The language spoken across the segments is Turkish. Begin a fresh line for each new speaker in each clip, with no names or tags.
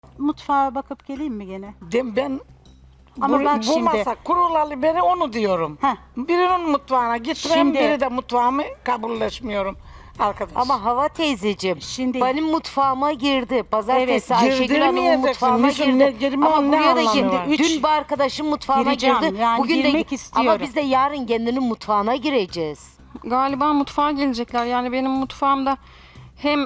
Mutfağa bakıp geleyim mi gene?
Ben
Ama bak
bu
şimdi.
masa kurulalı beri onu diyorum.
Heh.
Birinin mutfağına gitmem,
Şimdi-
biri de mutfağımı kabulleşmiyorum arkadaş.
Ama Hava teyzeciğim
Şimdi-
benim mutfağıma girdi. Pazartesi
Evet,
Ayşegül Hanım'ın
girdirmeyeceksin.
mutfağına
Niçin ne
girdi.
girme,
Ama
ne
buraya da
anlamı
girdi.
var?
Dün bir arkadaşım mutfağına
Gireceğim,
girdi.
yani
Bugün de
girmek istiyorum.
Ama biz de yarın kendinin mutfağına gireceğiz.
Galiba mutfağa gelecekler. Yani benim mutfağımda hem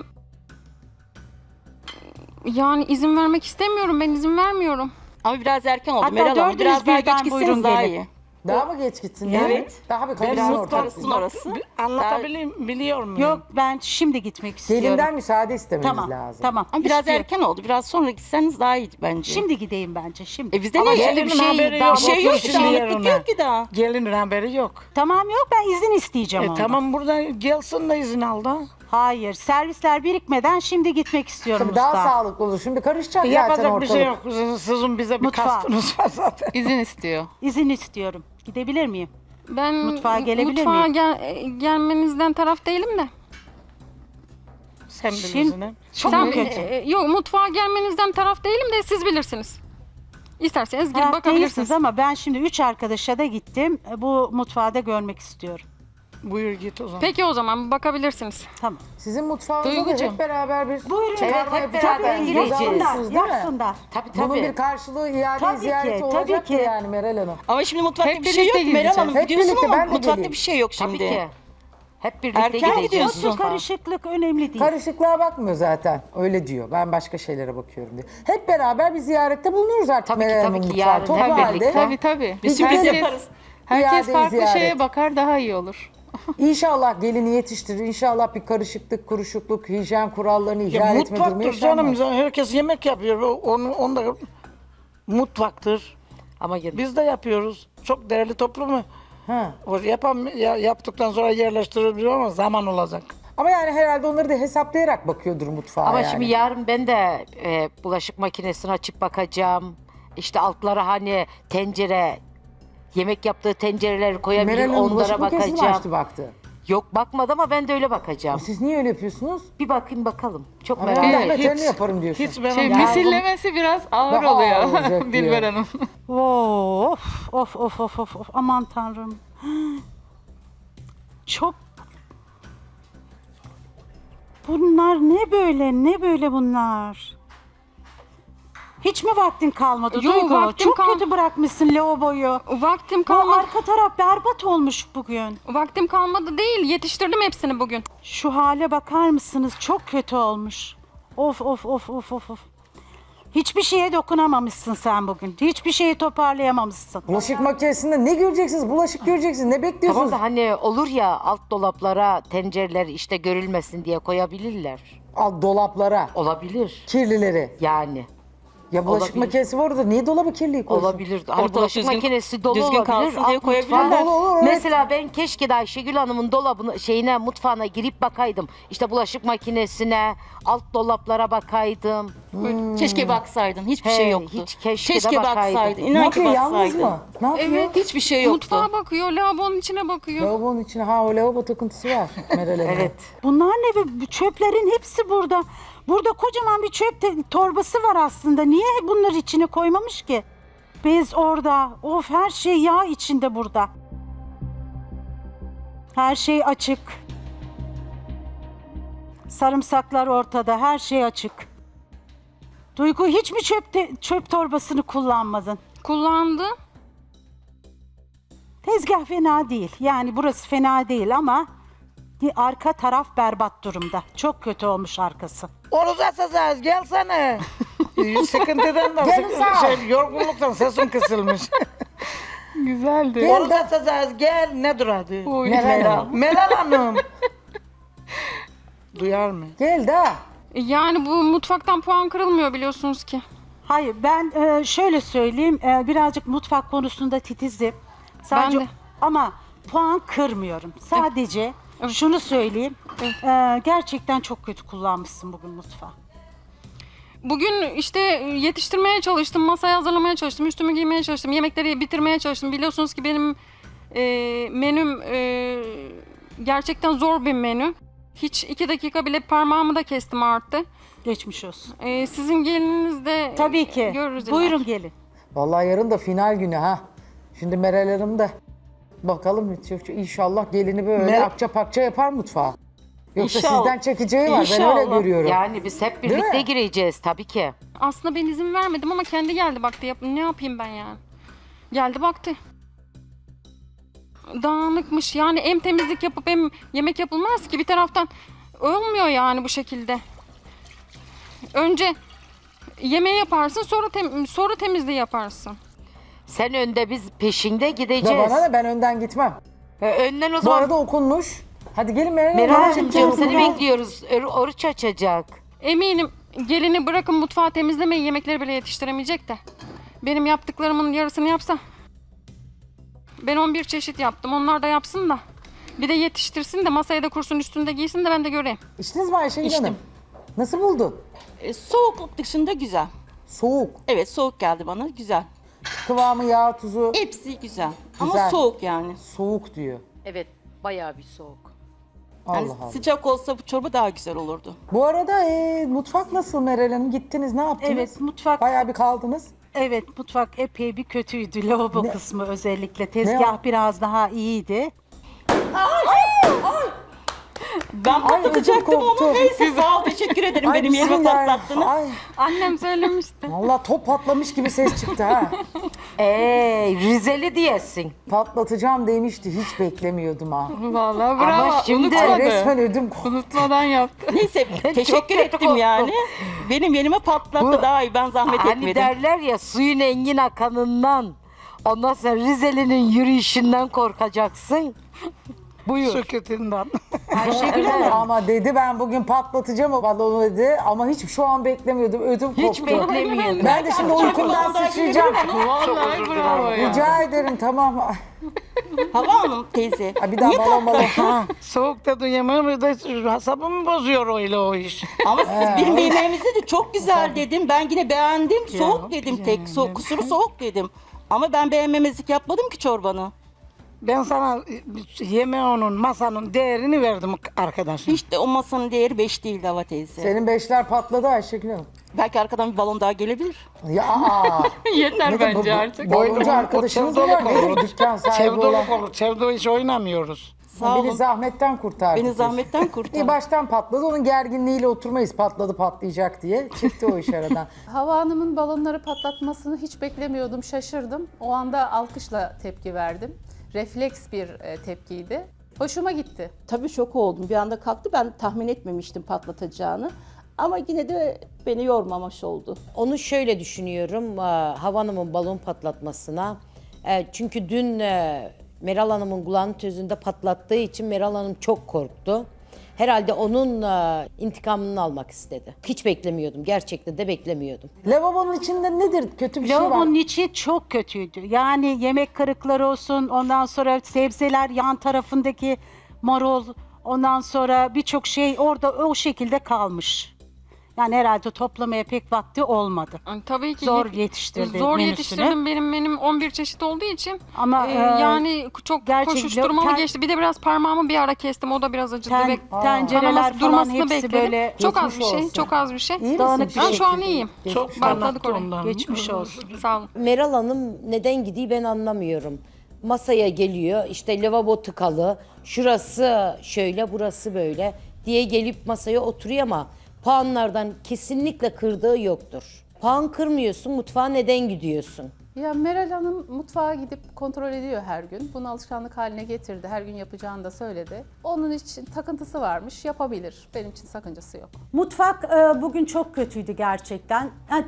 yani izin vermek istemiyorum. Ben izin vermiyorum.
Ama biraz erken oldu
Hatta
Meral Hanım.
dördünüz
Biraz daha
birden
geç
buyurun
gitseniz daha
gelin.
iyi.
Daha mı geç gitsin yani?
Evet.
Daha bir
Ben
karışsın
mutfak
ortalık.
karışsın orası.
Biliyor muyum?
Yok, ben şimdi gitmek istiyorum.
Gelinden müsaade istemeniz
Tamam,
lazım.
tamam.
Ama biraz
İstiyorum.
erken oldu. Biraz sonra gitseniz daha iyi bence.
Şimdi gideyim bence, şimdi.
bizde
Ama
ne?
şimdi
Gelinin
bir şey
haberi
daha
yok.
Bir şey yok
Otur
ki.
şimdi
Dağınıklık
yerine.
yok ki daha.
Gelinin haberi yok.
Tamam, yok, ben izin isteyeceğim ondan.
Tamam, burada gelsin de izin al da.
Hayır, servisler birikmeden şimdi gitmek istiyorum
Tabii daha
usta.
sağlıklı olur. Şimdi karışacak zaten
Yapacak
ortalık.
bir şey yok. Sizin bize bir
Mutfağa.
kastınız var zaten.
İzin istiyor.
İzin istiyorum. Gidebilir miyim?
Ben
Mutfağa gelebilir
mutfağa
miyim?
gelmenizden taraf değilim de.
Sen
Şimdi-
bilirsin ha.
Çok
Sen,
mu kötü?
yok mutfağa gelmenizden taraf değilim de siz bilirsiniz. İsterseniz girip
Taraf
bakabilirsiniz.
değilsiniz ama ben şimdi 3 arkadaşa da gittim. Bu mutfağı da görmek istiyorum.
Buyur git o zaman.
Peki o zaman bakabilirsiniz.
Tamam.
Sizin mutfağınızda da
Duygucuğum.
hep beraber bir
Buyurun.
çıkarma
Evet, hep
yapacak
beraber
mısınız?
gireceğiz.
Yapsınız, değil mi?
Yapsınlar.
Tabii
Bunun
tabii.
bir karşılığı iade
Tabii ki,
ziyareti
tabii
olacak
ki.
yani Meral Hanım.
Ama şimdi mutfakta
Hep
bir şey yok
birlikte
Meral
gideceğiz.
Hanım.
Hep
Gidiyorsun
birlikte,
ama
ben de
mutfakta
geleyim.
bir şey yok şimdi.
Tabii ki. Hep birlikte
Erken
gideceğiz.
gidiyorsun.
Yoksa karışıklık önemli değil.
Karışıklığa bakmıyor zaten. Öyle diyor. Ben başka şeylere bakıyorum diyor. Hep beraber bir ziyarette bulunuruz artık
Tabii ki,
Meral
tabii
Hanım'ın
ki.
mutfağı.
Yarın
Toplu
hep
halde.
birlikte.
Tabii tabii.
Biz
sürpriz
herkes-
yaparız.
Herkes
İade
farklı
ziyaret.
şeye bakar daha iyi olur.
İnşallah gelini yetiştirir. İnşallah bir karışıklık, kuruşukluk, hijyen kurallarını ihlal etme durumu
Mutfaktır canım.
yaşanmaz.
Herkes yemek yapıyor. Onu da mutfaktır.
Ama gene-
Biz de yapıyoruz. Çok değerli toplumu.
Ha.
Yaptıktan sonra yerleştirebiliyor ama zaman olacak.
Ama yani herhalde onları da hesaplayarak bakıyordur mutfağa
Ama
yani.
şimdi yarın ben de bulaşık makinesini açıp bakacağım. İşte altlara hani tencere, yemek yaptığı tencereleri koyabilir,
Meral Hanım bulaşık
onlara
makinesini mi
bakacağım.
açtı baktı?
Yok bakmadı ama ben de öyle bakacağım.
Siz niye öyle yapıyorsunuz?
Bir bakayım bakalım. Çok
Ama
merak
ben
ettim.
de beterini yaparım diyorsun.
Hiç ben
Şey,
onu-
misillemesi biraz ağır
Daha ağır
oluyor
olacak
Dilber
diyor.
Hanım.
Of, of. Aman tanrım. Çok... Bunlar ne böyle bunlar? Hiç mi vaktin kalmadı
Yok,
Duygu?
vaktim
Çok kötü bırakmışsın lavaboyu.
Vaktim
Bu
kalmadı.
arka taraf berbat olmuş bugün.
Vaktim kalmadı değil. Yetiştirdim hepsini bugün.
Şu hale bakar mısınız? Çok kötü olmuş. Of. Hiçbir şeye dokunamamışsın sen bugün. Hiçbir şeyi toparlayamamışsın.
Bulaşık makinesinde ne göreceksiniz? Bulaşık göreceksiniz. Ne bekliyorsunuz?
Tamam da hani olur ya alt dolaplara tencereler işte görülmesin diye koyabilirler.
Alt dolaplara,
Olabilir
kirlileri.
yani.
Ya bulaşık
Olabilir.
makinesi var orada. Niye dolabı kirliyi koysun?
Olabilir. Hani
Ortalık
bulaşık
düzgün-
makinesi dolu
düzgün
olabilir.
kalsın diye
alt
koyabilirler.
mutfağa-
Olur, evet.
Mesela ben keşke de Ayşegül Hanım'ın dolabına, mutfağına girip bakaydım. İşte bulaşık makinesine, alt dolaplara bakaydım.
Keşke baksaydın. Hiçbir
He,
şey yoktu.
hiç keşke de
baksaydın.
bakaydım.
Ne
İnan ki
yapıyor? Yalnız
baksaydın.
mı? Ne yapıyor?
Evet.
Hiçbir şey yoktu.
Mutfağa bakıyor, lavabonun içine bakıyor.
Lavabonun içine. Ha o lavabo takıntısı var Meral Hanım.
Evet.
Bunlar ne? Bu çöplerin hepsi burada. Burada kocaman bir çöp torbası var aslında. Niye bunları içine koymamış ki? Bez orada. Of, her şey yağ içinde burada. Her şey açık. Sarımsaklar ortada. Her şey açık. Duygu, hiç mi çöp torbasını kullanmadın?
Kullandı.
Tezgah fena değil. Yani burası fena değil ama arka taraf berbat durumda. Çok kötü olmuş arkası.
Oruç açacağız, gelsene. Sıkıntıdan da,
Gel sağ ol.
yorgunluktan sesim kısılmış.
Güzeldi.
Oruç açacağız, gel. Ne duradı?
Uy.
Meral.
Meral Hanım. Duyar mı?
Gel daha.
Yani bu mutfaktan puan kırılmıyor biliyorsunuz ki.
Hayır, ben şöyle söyleyeyim, birazcık mutfak konusunda titizim. Sadece
Ben de.
ama puan kırmıyorum. Sadece şunu söyleyeyim, gerçekten çok kötü kullanmışsın bugün mutfağı.
Bugün işte yetiştirmeye çalıştım, masayı hazırlamaya çalıştım, üstümü giymeye çalıştım, yemekleri bitirmeye çalıştım. Biliyorsunuz ki benim menüm gerçekten zor bir menü. Hiç 2 dakika bile parmağımı da kestim arttı.
Geçmiş olsun.
Sizin gelininiz de
Tabii ki.
görürüz.
Buyurun gelin.
Vallahi yarın da final günü ha. Şimdi Meral Hanım da bakalım inşallah gelini böyle
Mer-
akça pakça yapar mutfağa. Yoksa
İnşallah.
sizden çekeceği var ben öyle
İnşallah.
görüyorum.
Yani biz hep
Değil
birlikte
mi?
gireceğiz tabii ki.
Aslında ben izin vermedim ama kendi geldi baktı. Ne yapayım ben yani? Geldi baktı. Dağınıkmış. Yani hem temizlik yapıp hem yemek yapılmaz ki. Bir taraftan olmuyor yani bu şekilde. Önce yemeği yaparsın, sonra temizliği yaparsın.
Sen önde, biz peşinde
Da
gideceğiz.
bana da ben önden gitmem.
Önden o
Bu
zaman
arada okunmuş. Hadi gelin Meral Hanım.
Meral'cığım
Canım,
seni
canım.
bekliyoruz. Oruç açacak.
Eminim gelini bırakın mutfağı temizlemeyi, yemekleri bile yetiştiremeyecek de. Benim yaptıklarımın yarısını yapsa. Ben 11 çeşit yaptım. Onlar da yapsın da. Bir de yetiştirsin de masaya da kursun, üstünde giysin de ben de göreyim.
İçtiniz mi Ayşegül
İçtim.
Hanım? Nasıl buldun?
Soğukluk dışında güzel.
Soğuk.
Evet, soğuk geldi bana. Güzel.
Kıvamı, yağ, tuzu
Hepsi güzel.
Güzel.
Ama soğuk yani.
soğuk diyor.
Evet, bayağı bir soğuk.
Allah
Yani
Allah.
sıcak olsa bu çorba daha güzel olurdu.
Bu arada mutfak nasıl Meral Hanım? Gittiniz ne yaptınız?
Evet, mutfak.
Bayağı bir kaldınız.
Evet, mutfak epey bir kötüydü. Lavabo
Ne-
kısmı özellikle.
Ne o?
Tezgah biraz daha iyiydi.
Ben
ödüm
patlatacaktım
koptu.
ama neyse sağ ol, teşekkür ederim. Benim yerime
bismillah.
patlattınız.
Ay,
Annem söylemişti.
vallahi top patlamış gibi ses çıktı ha.
Rizeli diyesin.
Patlatacağım demişti. Hiç beklemiyordum ha.
Vallahi bravo.
şimdi-
Ay,
Unutmadı.
resmen ödüm koptu.
Unutmadan yaptı.
Neyse teşekkür
kötü
ettim
korktum.
yani. Benim yerime patlattı daha iyi. Ben zahmet
Hani
etmedim.
derler ya, suyun engin akanından, ondan sonra Rizeli'nin yürüyüşünden korkacaksın. Buyur.
Süketinden.
Ayşegül Hanım.
Ama dedi ben bugün patlatacağım o balonu dedi. Ama hiç şu an beklemiyordum. Ödüm koptu.
Hiç beklemiyordum.
Ben de şimdi uykumdan sıçrayacağım.
Vallahi bravo ya.
Rica ederim tamam.
Hava Hanım teyze.
Ha, bir daha balon.
Soğuk dedin yemeğimi de hasabımı bozuyor öyle o iş.
Ama siz benim yemeğimizde de çok güzel dedim. Ben yine beğendim. Soğuk dedim tek. Kusuru soğuk dedim. Ama ben beğenmemezlik yapmadım ki çorbanı.
Ben sana yemeğinin, masanın değerini verdim arkadaşım.
Hiç de o masanın değeri 5 değildi Hava teyze.
Senin beşler patladı Ayşegül Hanım.
Belki arkadan bir balon daha gelebilir.
Ya aa.
Yeter bence
bu-
artık.
Baloncu arkadaşınız mı var? Nedir dükkan sahibi olan?
Sevdoluk olur. Sevdo hiç oynamıyoruz.
Sağ
Beni
olun.
zahmetten kurtardı.
Beni zahmetten kurtar.
İyi baştan patladı. Onun gerginliğiyle oturmayız patladı patlayacak diye. Çıktı o iş aradan.
Hava Hanım'ın balonları patlatmasını hiç beklemiyordum, şaşırdım. O anda alkışla tepki verdim. Refleks bir tepkiydi. Hoşuma gitti.
Tabii şok oldum. Bir anda kalktı. Ben tahmin etmemiştim patlatacağını. Ama yine de beni yormamış oldu.
Onu şöyle düşünüyorum, Hava Hanım'ın balon patlatmasına. Çünkü dün Meral Hanım'ın kulağının tözünde patlattığı için Meral Hanım çok korktu. Herhalde onun intikamını almak istedi. Hiç beklemiyordum, gerçekten de beklemiyordum.
Lavabonun içinde nedir? Kötü bir şey var.
Lavabonun içi çok kötüydü. Yani yemek kırıkları olsun, ondan sonra sebzeler yan tarafındaki marul, ondan sonra birçok şey orada o şekilde kalmış. Yani herhalde toplamaya pek vakti olmadı.
Yani tabii ki
Zor yetiştirdi
Zor
menüsünü.
yetiştirdim. Benim 11 çeşit olduğu için.
Ama,
yani çok
gerçekten
koşuşturmalı geçti. Bir de biraz parmağımı bir ara kestim. O da biraz acıdı.
Tencereler
Kanaması
falan
durmasını
hepsi
bekledim.
böyle
Çok az bir
geçmiş
şey.
olsun.
Çok az bir şey.
İyi misin?
dağınık bir
Ben şu an
şekilde.
iyiyim.
Çok
Bantladık
kanattı
orayı.
ondan.
Geçmiş olsun.
Sağ olun.
Meral Hanım neden gidiyor ben anlamıyorum. Masaya geliyor, işte lavabo tıkalı, şurası şöyle, burası böyle diye gelip masaya oturuyor ama puanlardan kesinlikle kırdığı yoktur. Puan kırmıyorsun, mutfağa neden gidiyorsun?
Ya Meral Hanım mutfağa gidip kontrol ediyor her gün. Bunu alışkanlık haline getirdi. Her gün yapacağını da söyledi. Onun için takıntısı varmış, yapabilir. Benim için sakıncası yok.
Mutfak bugün çok kötüydü gerçekten. Yani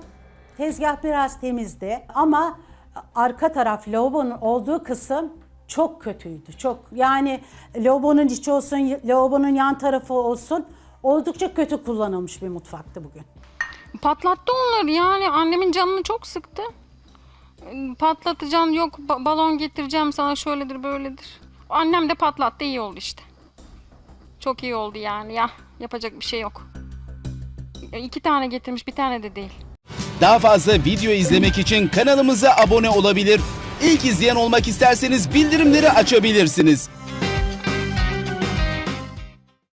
tezgah biraz temizdi ama arka taraf lavabonun olduğu kısım çok kötüydü. Çok yani lavabonun içi olsun, lavabonun yan tarafı olsun oldukça kötü kullanılmış bir mutfaktı bugün.
Patlattı onları yani. Annemin canını çok sıktı. Patlatacaksın, yok balon getireceğim sana, şöyledir böyledir. Annem de patlattı, iyi oldu işte. Çok iyi oldu yani ya. Yapacak bir şey yok. 2 tane getirmiş, bir tane de değil.
Daha fazla video izlemek için kanalımıza abone olabilir. İlk izleyen olmak isterseniz bildirimleri açabilirsiniz.